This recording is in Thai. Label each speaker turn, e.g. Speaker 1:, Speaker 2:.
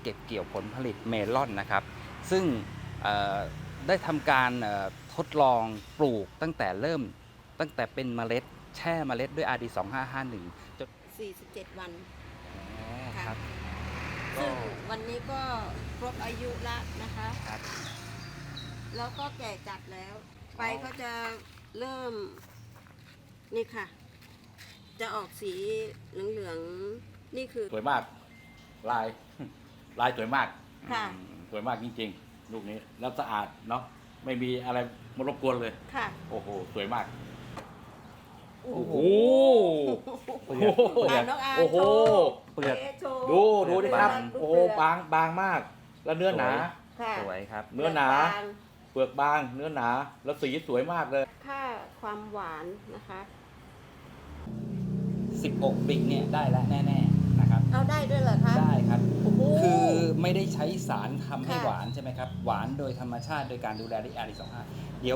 Speaker 1: เก็บเกี่ยวผลผลิตเมลอนนะครับ ซึ่งได้ทำการทดลองปลูกตั้งแต่เป็นเมล็ดแช่เมล็ดด้วย RD 2551จน
Speaker 2: 47 วัน
Speaker 1: อ๋อค
Speaker 2: ค่ะ
Speaker 1: รับก็
Speaker 2: ซึ่งวันนี้ก็ครบอายุละนะคะ
Speaker 1: ครับ
Speaker 2: แล้วก็แก่จัดแล้วใบก็จะเริ่มนี่ค่ะ จะออกสีเหลืองๆนี่คือ
Speaker 3: สวยมากลาย ลายสวยมาก
Speaker 2: ค่ะ
Speaker 3: สวยมากจริงๆลูกนี้แล้วสะอาดเนาะไม่มีอะไรมารบกวนเลย
Speaker 2: ค่ะ
Speaker 3: โอ้โหสวยมาก
Speaker 2: โอ้
Speaker 3: โอ้
Speaker 2: โห
Speaker 3: โห
Speaker 2: อ่ะน้องอาร์
Speaker 3: โอ้โห
Speaker 2: โชว์
Speaker 1: เปลือก
Speaker 2: โชว์
Speaker 3: ดูดิครับ
Speaker 2: ดู
Speaker 3: โอ้โห
Speaker 2: เปลืก
Speaker 3: บางมาก แล้วเนื้อหนา
Speaker 2: ค่ะ
Speaker 1: สวยครับ
Speaker 3: เนื้อหนา
Speaker 2: บาง
Speaker 3: เปลือกบางเนื้อหนา แล้วสีสวยมากเลย
Speaker 2: ค่าความหวานนะคะ
Speaker 1: 16 บิกเนี่ยได้แล้วแน่ๆนะครับ
Speaker 2: เอาได้ด้วยเหรอคะ
Speaker 1: ได้ครับ
Speaker 2: โอ้โห
Speaker 1: คือไม่ได้ใช้สารทำให้
Speaker 2: ค่ะ
Speaker 1: หวานใช่ไหมครับ หวานโดยธรรมชาติโดยการดูแลด้วย RD 25เดี๋ยว